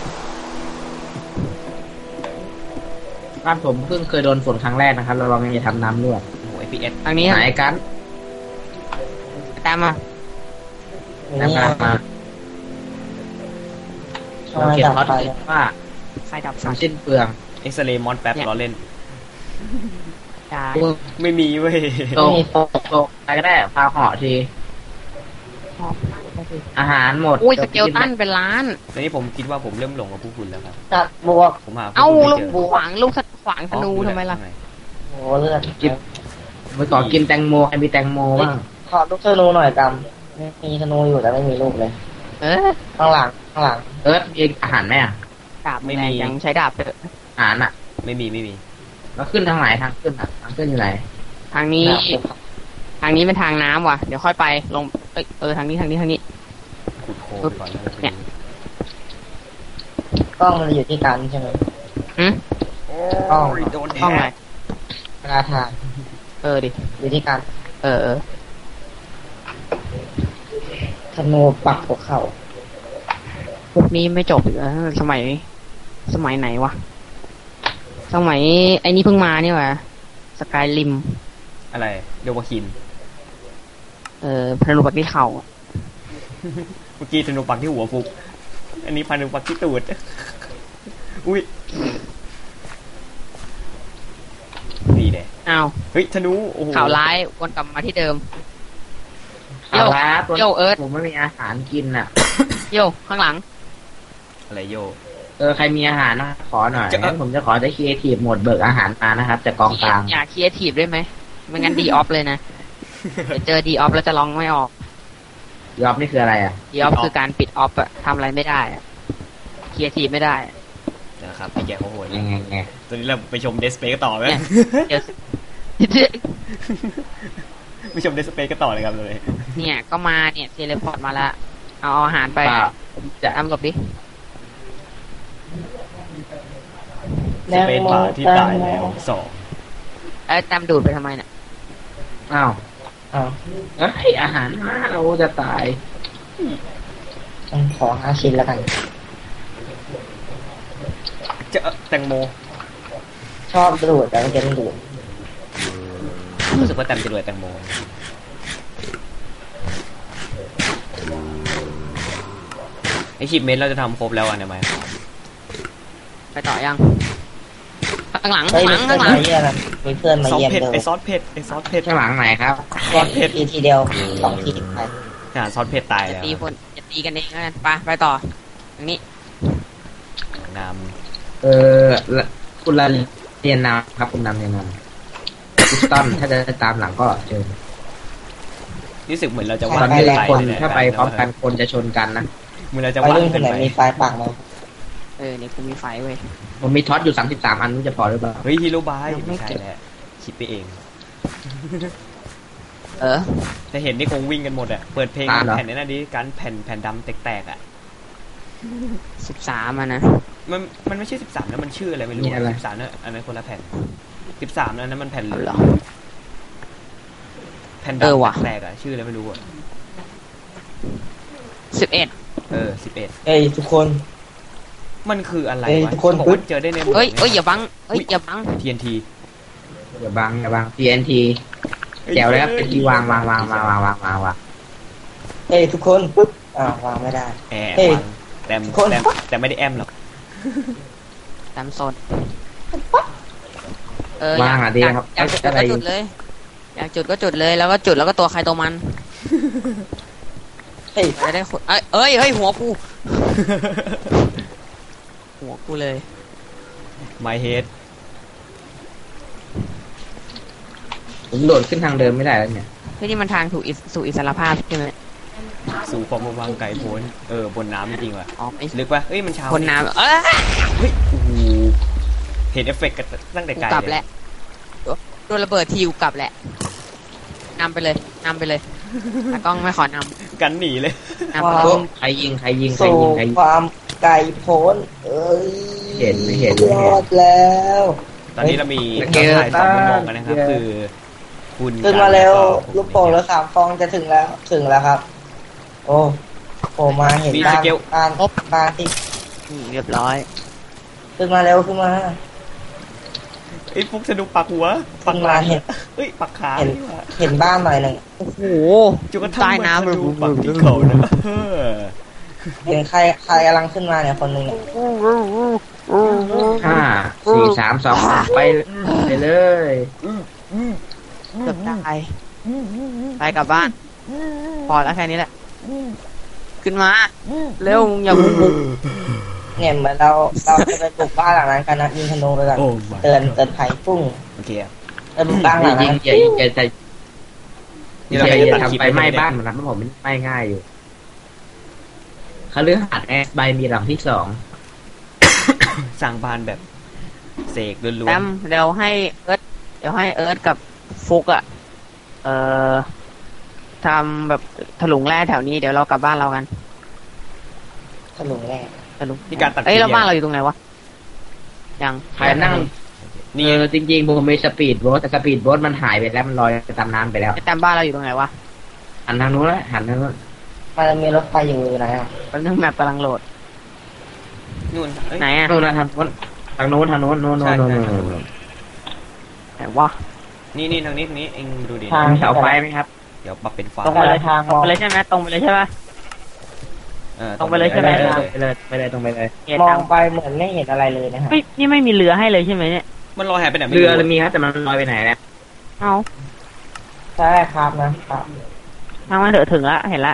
[SPEAKER 2] บ้านผมเพิ่งเคยโดนฝนครั้งแรกนะครับเราลองจะทำน้ำรั่ว
[SPEAKER 1] โอ้โห FPS
[SPEAKER 3] ทางนี้
[SPEAKER 2] ไหนกัน
[SPEAKER 3] ตามมา
[SPEAKER 4] อยู่
[SPEAKER 2] น้ำ
[SPEAKER 4] นี่
[SPEAKER 2] กำลังมา เราเขียนท็อตว่า
[SPEAKER 3] ไฟดับ
[SPEAKER 2] ทำสิ้นเปลือง
[SPEAKER 1] เอ็กซเรย์มอนแป๊บล้อเล่น
[SPEAKER 3] จ้า
[SPEAKER 1] ไม่มีเว้ย
[SPEAKER 2] ตกไปก็ได้พาเหาะที อาหารหมด
[SPEAKER 3] อุ้ยสเกลตันเป็นล้าน
[SPEAKER 1] ตอนนี้ผมคิดว่าผมเริ่มหลงกับผู้คุณแล้วครับ
[SPEAKER 4] จัดบวก
[SPEAKER 1] ผมหาผู้
[SPEAKER 3] เอ้า
[SPEAKER 1] คุณ
[SPEAKER 3] ลู
[SPEAKER 1] ไม่
[SPEAKER 3] ก
[SPEAKER 1] เจอ
[SPEAKER 3] ขวางธนูทำไมล่ะ
[SPEAKER 4] โหเลือด
[SPEAKER 2] ไปขอกินแตงโมใครมีแตงโมบ้าง
[SPEAKER 4] ขอลูกธนูหน่อยกำมีธนูอยู่แต่ไม่มีลูกเลย ข้างหลัง
[SPEAKER 2] เอิร์ธมีอาหารไหมอ่ะ
[SPEAKER 3] ดาบไม่มียังใช้ดาบเถอะ
[SPEAKER 2] อาหารอ่ะ
[SPEAKER 1] ไม่มี
[SPEAKER 2] แล้วขึ้นทางไหนทางขึ้นอ่ะทางขึ้นอยู่ไหน
[SPEAKER 3] ทางนี้เป็นทางน้ำว่ะเดี๋ยวค่อยไปลงทางนี้
[SPEAKER 1] ขุดโคไปก่อนแล้ว
[SPEAKER 3] เนี่ย
[SPEAKER 4] กล้องมันอยู่ที่กันใช่ไหม
[SPEAKER 3] หืม
[SPEAKER 1] โอ้ยโดนแท
[SPEAKER 3] ห้องไหน
[SPEAKER 1] ง
[SPEAKER 4] เวลาทาน
[SPEAKER 3] ดิ
[SPEAKER 4] อยู่ที่กัน ธนูปักหัวเข่า
[SPEAKER 3] พวกนี้ไม่จบอีกแล้วสมัยไหนวะสมัยไอ้นี่เพิ่งมานี่วะสกายริม
[SPEAKER 1] อะไรเดวาคิน
[SPEAKER 3] พนุปักที่เข่า
[SPEAKER 1] เมื่อกี้ธนูปักที่หัวฟุก อันนี้พันธนูปักที่ตูด อุ้ยนี่แหละ
[SPEAKER 3] อ้าว
[SPEAKER 1] เฮ้ยธนูโอ้โห
[SPEAKER 3] ข่าวร้ายวนกลับมาที่เดิม
[SPEAKER 2] เอาละตัว
[SPEAKER 3] โยเอิร์ธ
[SPEAKER 2] ผมไม่มีอาหารกินอ่ะ
[SPEAKER 3] โยข้างหลัง
[SPEAKER 1] อะไรโย
[SPEAKER 2] ใครมีอาหารนะขอหน่อยงั้นผมจะขอได้ครีเอทีฟหมดเบิกอาหารมานะครับจากกองกลาง
[SPEAKER 3] อยากครีเอทีฟได้ไหมไม่งั้นดีออฟเลยนะเดี๋ยวเจอดีออฟแล้วจะร้องไม่ออก
[SPEAKER 2] ยอบนี่คืออะไรอ่ะ
[SPEAKER 3] ดีออฟคือการปิดออฟอะทำอะไรไม่ได้อะครีเอทีฟไม่ได้อะ
[SPEAKER 1] นะครับพี่แกเขาโหด
[SPEAKER 2] ไง
[SPEAKER 1] ตอนนี้เราไปชมเดสเปก็ต่อไหม
[SPEAKER 3] เนี่ย เดี๋ยว
[SPEAKER 1] ไปชมเดสเปก็ต่อเลยครับเลย
[SPEAKER 3] เนี่ยก็มาเนี่ยเทเลพอร์ตมาแล้วเอาอาหารไป
[SPEAKER 2] เปล่าผมจะ
[SPEAKER 3] ตามหลบดิ
[SPEAKER 1] สเปนบาร์ที่ตายแล้วสอง
[SPEAKER 3] ตามดูดไปทำไมเนี่ย
[SPEAKER 2] อ้าว
[SPEAKER 4] อ้าว
[SPEAKER 2] เอ้ยอาหารมาเราจะตาย
[SPEAKER 4] ขอ5 ชิ้นแล้วกัน
[SPEAKER 1] เจอแตงโม
[SPEAKER 4] ชอบดูดแต่ไม่เก็ตดูด
[SPEAKER 1] รู้สึกว่าแตมจะรวยแตงโมไอชิปเมนเราจะทำครบแล้วอ่ะเนี่ยไหม
[SPEAKER 3] ไปต่อยังข้างหลัง
[SPEAKER 4] เฮ้ย
[SPEAKER 3] ข้างหลัง
[SPEAKER 4] มีเพื่อนมาเยี่ยมมีเพื่อนมา
[SPEAKER 1] ซอส
[SPEAKER 4] เยี่ยม
[SPEAKER 1] เผ็ด
[SPEAKER 4] เลย
[SPEAKER 1] ไอซอสเผ็ด
[SPEAKER 2] ข้างหลังไหนครับ
[SPEAKER 1] ซอสเผ็ด
[SPEAKER 4] ทีเดียว2 ทีไป
[SPEAKER 1] ซอสเผ็ดตาย
[SPEAKER 3] จะ
[SPEAKER 1] แล้ว
[SPEAKER 3] ตีกันเองแล้วกันไปต่อทางนี้
[SPEAKER 1] น
[SPEAKER 2] คุณละเรียนนำครับคุณนำเรียนนำพิสตันถ้าจะตามหลังก็เจอ
[SPEAKER 1] ำรู้สึกเหมือนเราจะ
[SPEAKER 2] ต
[SPEAKER 1] ว่า
[SPEAKER 2] อง นนี้คนถ้าไปพร้อมกันคนจะชนกันนะ
[SPEAKER 1] เหมือนเราจะ
[SPEAKER 4] ไป
[SPEAKER 1] ว่าง
[SPEAKER 4] รุ่นค
[SPEAKER 1] เกิ
[SPEAKER 4] น
[SPEAKER 1] น
[SPEAKER 4] ไหน
[SPEAKER 1] ไป
[SPEAKER 4] มีไฟปากมา
[SPEAKER 3] นี่กูมีไฟเว้ย
[SPEAKER 2] ผมมีท็อตอยู่33 อันนู้จะพอหรือเปล่า
[SPEAKER 1] เฮ้ยฮีโร่บาย
[SPEAKER 3] ยังไม่
[SPEAKER 1] ไม่ใช่
[SPEAKER 3] เก็บ
[SPEAKER 1] แหละคิดไปเอง แต่เห็นนี่คงวิ่งกันหมดอะเปิดเพลงแผ่นนี้นะดิการแผ่นดำแตกๆอะ
[SPEAKER 3] 13อ่ะนะ
[SPEAKER 1] มันไม่ใช่13นะมันชื่ออะไรไม่รู้13นะอันนั้นคนละแผ่น13นั้นมันแผ่น
[SPEAKER 3] เหรอ
[SPEAKER 1] แผ่น
[SPEAKER 3] เออ
[SPEAKER 1] ดำ
[SPEAKER 3] ว่ะ
[SPEAKER 1] แตกๆอะชื่ออะไรไม่รู้อะ
[SPEAKER 3] 11
[SPEAKER 1] 11
[SPEAKER 4] เฮ้ยทุกคน
[SPEAKER 1] มันคืออะไร
[SPEAKER 4] เอ้ยว
[SPEAKER 1] ะ
[SPEAKER 4] ทุกคน
[SPEAKER 1] เขาบอกว่าเจอได้ใน
[SPEAKER 3] เฮ้ยอย่าบังอย่าบัง
[SPEAKER 1] TNT
[SPEAKER 2] อย่าบังTNT แจวเลยครับเป็นที่วาง
[SPEAKER 4] เฮ้ยทุกคนปุ๊บวางไม่ได้
[SPEAKER 1] แอ
[SPEAKER 4] เฮ้ย
[SPEAKER 1] แต่ไม่ได้แอมหรอก
[SPEAKER 3] ตามโซน
[SPEAKER 2] วางอ่ะดีครับ
[SPEAKER 3] อยากจุดก็จุดเลย อยากจุดก็จุดเลยแล้วก็จุดแล้วก็ตัวใครตัวมัน
[SPEAKER 4] เฮ้ย
[SPEAKER 3] จะได้ขุดเฮ้ยหัวกู หัวกูเลย
[SPEAKER 1] My head
[SPEAKER 2] ผมโดดขึ้นทางเดิมไม่ได้แล้วเนี่ย
[SPEAKER 3] เฮ้ยนี่มันทางสู่อิสรภาพใช่ไหม
[SPEAKER 1] สู่ความวางไกลโพ้นบนน้ำจริงๆว่ะ
[SPEAKER 3] อ๋อไม่
[SPEAKER 1] ลึกปะเอ้ยมันเช้า
[SPEAKER 3] คนน้ำ
[SPEAKER 1] เฮ้ยโอ้โหเห็นเอฟเฟกต์กันตั้งแต่
[SPEAKER 3] กู
[SPEAKER 1] ไกล
[SPEAKER 3] กลับ
[SPEAKER 1] เล
[SPEAKER 3] แห
[SPEAKER 1] ย
[SPEAKER 3] ละโดนระเบิดทีกูกลับแหละนำไปเลยตากล้องไม่ขอน
[SPEAKER 1] กันหนีเลย
[SPEAKER 3] ำนำไปเลย
[SPEAKER 2] ใครยิง
[SPEAKER 4] สู่ความไกลโพ้นเอ้ย
[SPEAKER 2] ไม่เห็น
[SPEAKER 4] ยอดแล้ว
[SPEAKER 1] ตอนนี้เรามีเราถ่ายสองมุมมองกันนะครับ คือคุณ
[SPEAKER 4] ขึ้นมาเร็ว
[SPEAKER 1] กับผม
[SPEAKER 4] ลูกโป่งเหลือ3 ฟองจะถึงแล้วครับ โอ้โผล่มาเห็นบ้านบ้านที่
[SPEAKER 3] เรียบร้อย
[SPEAKER 4] ขึ้นมาเร็วขึ้นมา
[SPEAKER 1] ไอ้ฟุกสะดุกปักหัวปักหลังเอ้ยปักขา
[SPEAKER 4] เห็นบ้านหน่อยหนึ่ง
[SPEAKER 3] โอ้โห
[SPEAKER 1] จุกระทั่ง
[SPEAKER 3] ใต้น้ำ
[SPEAKER 1] มันสะดุกปักที่เขานะเออ
[SPEAKER 4] เห็นใครกำลังขึ้นมาเนี่ยคนหนึ่งเนี่ย
[SPEAKER 2] 5 4 3 2ไปเลย
[SPEAKER 3] เกือบตายไปกลับบ้าน พอแล้วแค่นี้แหละ ขึ้นมา เร็วมึงอย่าบุก
[SPEAKER 4] เนี่ยเหมือนเราจะไปบุกบ้านหลังนั้นกันนะยิงธนูไปก่อน
[SPEAKER 1] โอ้
[SPEAKER 4] เตือนภัยปุ้ง
[SPEAKER 1] โอเคอะ
[SPEAKER 4] ไปบุกบ้านหลัง
[SPEAKER 2] ยิ
[SPEAKER 4] นั้
[SPEAKER 2] ง
[SPEAKER 4] น
[SPEAKER 2] อย่าทำไปไหม้บ้านมันนะผมไม่ไหม้ง่ายอยู่คฤหาสน์แอสไบมีหลังที่
[SPEAKER 1] สร้างบ้านแบบเสกล้วน
[SPEAKER 3] แต้มเดี๋ยวให้เอิร์ธกับฟุกอะทำแบบถลุงแร่แถวนี้เดี๋ยวเรากลับบ้านเรากัน
[SPEAKER 4] ถลุงแน่
[SPEAKER 3] ถลุง
[SPEAKER 1] ๆมีการตัด
[SPEAKER 3] เอ้ยแล้วบ้านเราอยู่ตรงไหนวะยัง
[SPEAKER 2] 2 ใครนั่ง
[SPEAKER 1] นี่
[SPEAKER 2] จริงๆผมมีสปีดโบ๊ทแต่สปีดโบ๊ทมันหายไปแล้วมันลอยไปตามน้ำไปแล้ว
[SPEAKER 3] ไอ้แต้มบ้านเราอยู่ตรงไหนวะ
[SPEAKER 2] หันทางนู้นแล้วหันทางนู้น
[SPEAKER 4] มันจะมีรถไฟอยู่ไหนอ่ะ
[SPEAKER 3] ตอนนึงแมปกำลังโหลด
[SPEAKER 1] นู่นเอ้ย
[SPEAKER 3] ไหนอะ
[SPEAKER 2] นู่นนะทางนู้นทางนู้นโน้น
[SPEAKER 1] ใช่
[SPEAKER 3] ไหนวะ
[SPEAKER 1] นี่ทางนี้เองดูดิ
[SPEAKER 4] ทาง
[SPEAKER 2] มีเสาไฟไหมครับ
[SPEAKER 1] เดี๋ยวปรับเป็นฟ้า
[SPEAKER 4] ตรงไปเลยทาง
[SPEAKER 3] ตรงไปเลยใช่ไหมตรงไปเลยใช่ปะ ตรงไปเลยใช่ไหม
[SPEAKER 2] ไปเลยตรงไปเลย
[SPEAKER 3] เกียร
[SPEAKER 4] ม
[SPEAKER 3] ติ
[SPEAKER 4] องไปเหมือนไม่เห็นอะไรเลยนะฮะ
[SPEAKER 3] เฮ้ยนี่ไม่มีเรือให้เลยใช่ไหมเนี่ย
[SPEAKER 1] มันลอยหายไปไหนไม่
[SPEAKER 2] เรือ
[SPEAKER 1] รู้
[SPEAKER 2] มีครับแต่มันลอยไปไหนแล้ว
[SPEAKER 3] เอา
[SPEAKER 4] ใช่ครับนะครับ
[SPEAKER 3] ทางมาเถอะถึงละเห็นละ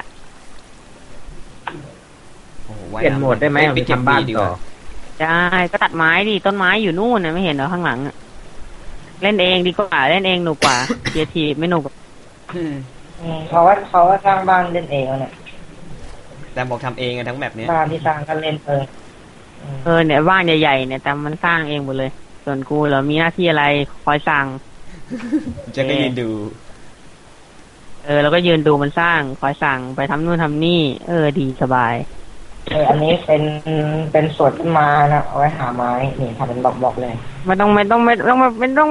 [SPEAKER 1] โอ้โห
[SPEAKER 2] เปลี่ยนโหมดได้ไหม
[SPEAKER 1] เอ้ย
[SPEAKER 2] เอา
[SPEAKER 1] ไป
[SPEAKER 2] ไป
[SPEAKER 1] เก็บ
[SPEAKER 2] ทำบ้าน
[SPEAKER 1] ดี
[SPEAKER 2] ต่อ
[SPEAKER 3] ได้ก็ตัดไม้ดิต้นไม้อยู่นู่นนะไม่เห็นเหรอข้างหลังอะเล่นเองดีกว่าเล่นเองหนุกกว่าเคียทีไม่หนุก
[SPEAKER 1] อืม
[SPEAKER 4] เขาว่าสร้างบ้านเล่นเองแล้วเนี่ย
[SPEAKER 1] แต่บอกทำเองอะทั้งแบบเนี้ย
[SPEAKER 4] บ้านที่สร้างก็เล่นเอง
[SPEAKER 3] เนี่ยบ้านใหญ่ๆเนี่ยแต่มันสร้างเองหมดเลย ส่วนกูเหรามีหน้าที่อะไรคอยสั่ง
[SPEAKER 1] จะก็ยืนดู
[SPEAKER 3] แล้วก็ยืนดูมันสร้างคอยสั่งไปทำนู่นทำนี่ดีสบาย
[SPEAKER 4] อันนี้เป็นสวนต้นไม้นะเอาไว้หาไม้นี่ทำเป็นบล็อกๆเลย
[SPEAKER 3] ไม่ต้อง
[SPEAKER 4] นี่แนะนำอ่ะ
[SPEAKER 3] ไม่ต้อง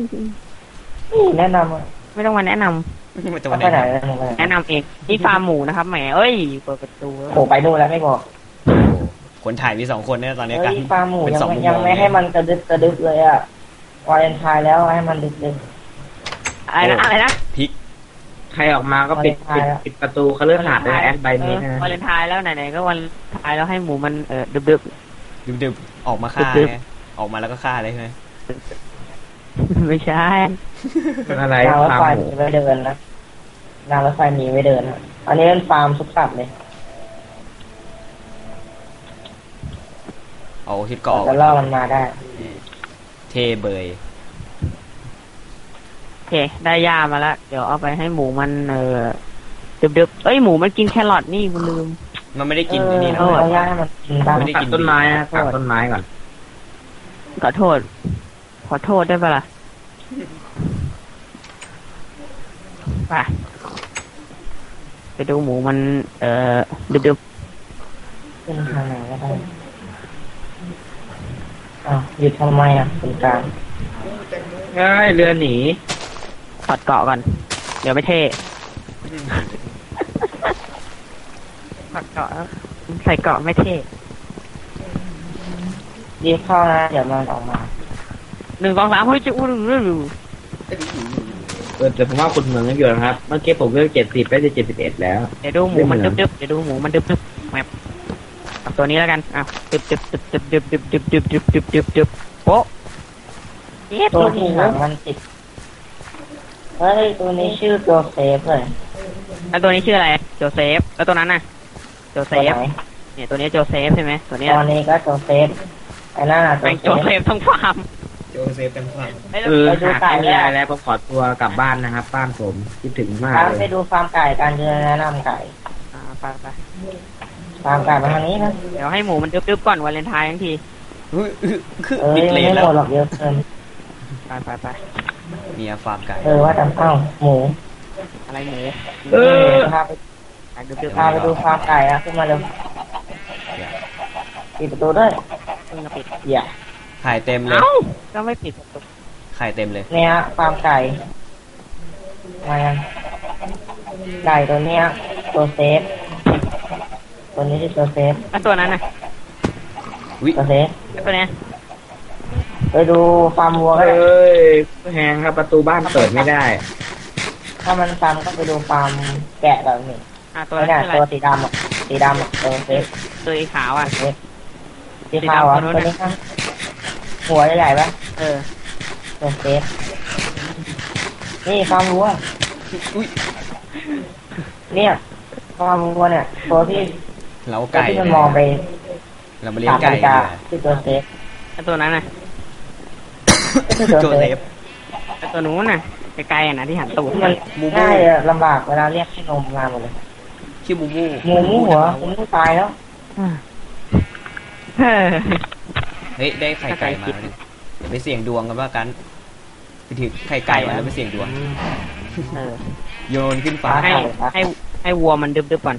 [SPEAKER 3] มาแนะนำ
[SPEAKER 1] มันจะ
[SPEAKER 4] เอา
[SPEAKER 1] มา
[SPEAKER 4] ไปไหน
[SPEAKER 1] ไหน
[SPEAKER 3] แนะนำเองนี่ฟาร์มหมูนะครับแหมเอ้ยเปิดประตู
[SPEAKER 4] โผล่ไปนู่นแล้วไม่บอก
[SPEAKER 1] คนถ่ายมี2 คนเนี่ยตอนนี้
[SPEAKER 4] เฮ้
[SPEAKER 1] กัน
[SPEAKER 4] ยฟาร์มหมู
[SPEAKER 1] เป็นสองมุมม
[SPEAKER 4] ยัง
[SPEAKER 1] อง
[SPEAKER 4] ไม่ให้มันกระดึบเลยอ่ะวาเลนไทน์แล้วให้มันดึก
[SPEAKER 3] อะไรนะ
[SPEAKER 1] พริก
[SPEAKER 2] ใครออกมาก็ปิดประตูคฤหาสน์ด้วยแอสไบมีนะ
[SPEAKER 3] วาเลนไทน์แล้วไหนๆก็วันไทน์แล้วให้หมูมันดึบ
[SPEAKER 1] ดึบๆออกมาฆ่า
[SPEAKER 3] ดึบ
[SPEAKER 1] ไงออกมาแล้วก็ฆ่าเลยใช่ไหม
[SPEAKER 3] ๆไม่ใช่
[SPEAKER 2] อะไร
[SPEAKER 4] ๆรางรถ
[SPEAKER 2] ฟาร์
[SPEAKER 4] ไฟ
[SPEAKER 2] มหมู
[SPEAKER 4] มีไว้เดินนะรางรถไฟมีไว้เดินนะอันนี้เป็นฟาร์มทุกสัตว์เลย
[SPEAKER 1] เอาที่เกาะ
[SPEAKER 4] จะล่อมันมาได้
[SPEAKER 1] เทเบย
[SPEAKER 3] โอเคได้ยามาแล้วเดี๋ยวเอาไปให้หมูมันดึบๆเอ้ยหมูมันกินแครอทนี่กูลืม
[SPEAKER 1] มันไม่ได้กินอันนี่นะ
[SPEAKER 4] เอาย่าให้มันกินบ้าง
[SPEAKER 1] ไม่ได้
[SPEAKER 2] ตัดต้นไม้นะตัดต้นไม้ก่อน
[SPEAKER 3] ขอโทษได้ปะล่ะไปดูหมูมันดึบ
[SPEAKER 4] ขึ้นทางไหนก็ได้หยุดทำไมอ่ะเป็นกลาง
[SPEAKER 2] เรือหนี
[SPEAKER 3] ๆถอดเกาะก่อนเดี๋ยวไม่เท่ถอดเกาะแล้วใส่เกาะไม่เท่
[SPEAKER 4] รีบเข้านะเดี๋ยวมันออกมา
[SPEAKER 3] 1 2 3เฮ้ยจะอู้
[SPEAKER 2] แต่ผมว่าคุณเหมืองกันอยู่นะครับเมื่อกี้ผมเลือก70ไปจะ71แล้ว
[SPEAKER 3] เดี๋ยวดูหมูมันดึบๆเดี๋ยวดูหมูมันดึบๆแมปเอาตัวนี้แล้วกันอ้าวดึบโป๊ะเย็ด
[SPEAKER 4] ตัว
[SPEAKER 3] หมู
[SPEAKER 4] ที่หางมันติดเฮ้ยตัวนี้ชื่อโจเซฟเลย
[SPEAKER 3] แล้วตัวนี้ชื่ออะไรโจเซฟแล้วตัวนั้นน่ะโจเซ
[SPEAKER 4] ตัว
[SPEAKER 3] ฟ
[SPEAKER 4] ไหน
[SPEAKER 3] เนี่ยตัวนี้โจเซฟใช่ไหมตัวนี้
[SPEAKER 4] ตอนนี้ก็โจเซฟไอ้นั่นน่ะ
[SPEAKER 3] แม่งโจเซฟทั้งฟาร์ม
[SPEAKER 1] โจเซฟเต็มฝั่ง
[SPEAKER 3] เอ้ย
[SPEAKER 2] หากไม่มีอะไรแล้วผมขอตัวกลับบ้านนะครับบ้านผมคิดถึงมาก
[SPEAKER 4] ตาม
[SPEAKER 2] เล
[SPEAKER 4] ไป
[SPEAKER 2] ย
[SPEAKER 4] ดูฟาร์มไก่การเดินแนะนำไก่
[SPEAKER 3] ไป
[SPEAKER 4] ฟาร์มไก่มาทางนี้นะ
[SPEAKER 3] เดี๋ยวให้หมูมันดึบๆก่อนวาเลนไทน์ทั้งที
[SPEAKER 1] คือ
[SPEAKER 4] เอ้ย
[SPEAKER 1] ปิดเล
[SPEAKER 4] ไม่
[SPEAKER 1] นแล้
[SPEAKER 4] หม
[SPEAKER 1] ว
[SPEAKER 4] ดหรอกเยอะเกิน
[SPEAKER 3] ไป
[SPEAKER 1] เนี่ยฟาร์มไก่
[SPEAKER 4] ว่าแต่หมู
[SPEAKER 3] อะไรหมู
[SPEAKER 4] พาไป
[SPEAKER 3] ดึบ
[SPEAKER 4] พาไปดูฟาร์มไก่นะขึ้นมาเร็วปิดประตูด้วย
[SPEAKER 3] ๆเพิ่งจะปิด
[SPEAKER 4] อย่า
[SPEAKER 1] ถ่ายเต็มเลย
[SPEAKER 3] เอ้าก็ไม่ปิดประตู
[SPEAKER 1] ไข่เต็มเลย
[SPEAKER 4] เนี่ยฟาร์มไก่มายังไก่ตัวเนี้ยตัวเซฟตัวนี้ที่ตัวเซฟ
[SPEAKER 3] แล้วตัวนั้นน่ะ
[SPEAKER 1] วิ
[SPEAKER 4] ตัวเซฟ
[SPEAKER 3] แล้วตัวเนี้ย
[SPEAKER 4] ไปดูฟาร์มวัวก็ได้
[SPEAKER 2] แหงครับประตูบ้านเปิดไม่ได้
[SPEAKER 4] ถ้ามันฟาร์มก็ไปดูฟาร์มแกะแบบนี้
[SPEAKER 3] ตัว
[SPEAKER 4] ไม่
[SPEAKER 3] นั้น
[SPEAKER 4] ได้
[SPEAKER 3] คืออะไร
[SPEAKER 4] ตัวสีดำอ่ะสีดำอ่ะตัวเซฟ
[SPEAKER 3] ตัวสีขาวอ่ะ
[SPEAKER 4] เซฟสีขาวอ่ะ
[SPEAKER 3] สีดำตัวนู้
[SPEAKER 4] ตัวน
[SPEAKER 3] น่ะ
[SPEAKER 4] นี้ข้างหัวใหญ่ๆปะ
[SPEAKER 3] เออ
[SPEAKER 4] ตัวเซฟนี่ฟาร์มวัว
[SPEAKER 1] อุ้ย
[SPEAKER 4] เนี่ยฟาร์มวัวเนี่ยตัวที่
[SPEAKER 1] เรา
[SPEAKER 4] ตัว
[SPEAKER 1] ไก่
[SPEAKER 4] ที่มันมองไป
[SPEAKER 1] เรามาเลี้ย
[SPEAKER 4] ตาง ม
[SPEAKER 1] ไก่
[SPEAKER 4] นาฬิ
[SPEAKER 1] ดี
[SPEAKER 4] กาก
[SPEAKER 1] ว่า
[SPEAKER 4] ที่ตัวเซฟ
[SPEAKER 3] แล้วตัวนั้นน่ะ
[SPEAKER 4] ก็คือตัว
[SPEAKER 1] โจ
[SPEAKER 4] เซ
[SPEAKER 1] เซ
[SPEAKER 4] ฟ
[SPEAKER 1] ฟ
[SPEAKER 3] แล้วตัวนู้นน่ะไกลๆอ่ะนะที่หันตูด
[SPEAKER 4] มัน
[SPEAKER 3] มา
[SPEAKER 4] ง่ายอะลำบากเวลาเรียกให้นมมาหมดเลย
[SPEAKER 1] ชื่อมูมู
[SPEAKER 4] หมูหัวหมูตายแล้ว
[SPEAKER 3] เออ
[SPEAKER 1] เฮ้ยได้ไข่ไก่มาแล้วนี่เดี๋ยวไปเสี่ยงดวงกันว่ากันไปถือไข่ไก่มาแล้วไปเสี่ยงดวง
[SPEAKER 3] เออ
[SPEAKER 1] โยนขึ้นฟ้า
[SPEAKER 3] ให้วัวมันดึบๆก่อน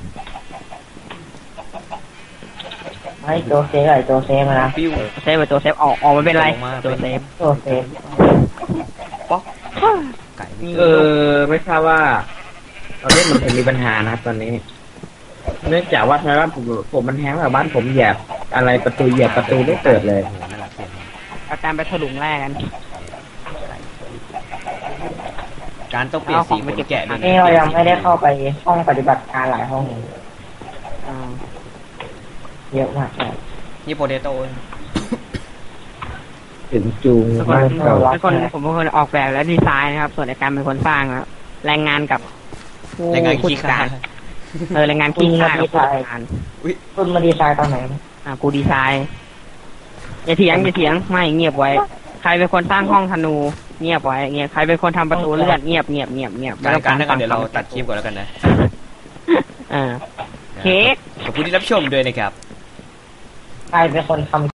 [SPEAKER 4] ให้โจเซฟไอ้โจเซฟมานะ
[SPEAKER 1] ปิ้ว
[SPEAKER 3] เซฟไปตัวเซฟออกไม่เป็นไร
[SPEAKER 1] ลงมา
[SPEAKER 3] ตัวเซฟ
[SPEAKER 4] โจเซฟ
[SPEAKER 1] ป๊อกไก่ไม่
[SPEAKER 2] ไม่ทราบว่าตอนนี้มันมีปัญหานะครับตอนนี้ เนื่องจากว่าทางบ้านผมมันแห้งแบบบ้านผมเหยียบอะไรประตูเหยียบประตูไม่เปิดเลย
[SPEAKER 1] โอ้โหน่ารักเสียง
[SPEAKER 3] เอาการไปถลุงแรกกัน
[SPEAKER 1] การต้องเปลี่ยนสีขนแกะด้วย
[SPEAKER 4] นี่เรายังไม่ได้เข้าไปห้องปฏิบัติการหลายห้อง
[SPEAKER 3] อ่า
[SPEAKER 4] เยอะมากเลย
[SPEAKER 1] นี่โปเตโต้
[SPEAKER 2] ถึงจูง
[SPEAKER 3] ทุกคน
[SPEAKER 2] บ้านเก่า
[SPEAKER 3] ผมเป็นคนออกแบบและดีไซน์นะครับ ส่วนในการเป็นคนสร้างนะแรงงานกับผู้
[SPEAKER 1] แรงงาน
[SPEAKER 3] ผู้
[SPEAKER 1] ขี้
[SPEAKER 3] จัด
[SPEAKER 1] ขา
[SPEAKER 3] การแรงงานขี้ข้ากับผู้จัดการ
[SPEAKER 4] คุณมาดีไซน์ตอนไหน
[SPEAKER 3] กูดีไซน์อย่าเถียงไม่เงียบไว้ ใครเป็นคนสร้างห้องธนูเงียบไว้เงียบใครเป็นคนทำประตูเลื่อนเงียบไม่ต้อง
[SPEAKER 1] การถ้ากันเดี๋ยวเราตัดคลิปก่อนแล้วกันนะ
[SPEAKER 3] เค้ก
[SPEAKER 1] ขอบคุณที่รับชมด้วยนะครับ
[SPEAKER 4] ใครเป็นคนทำ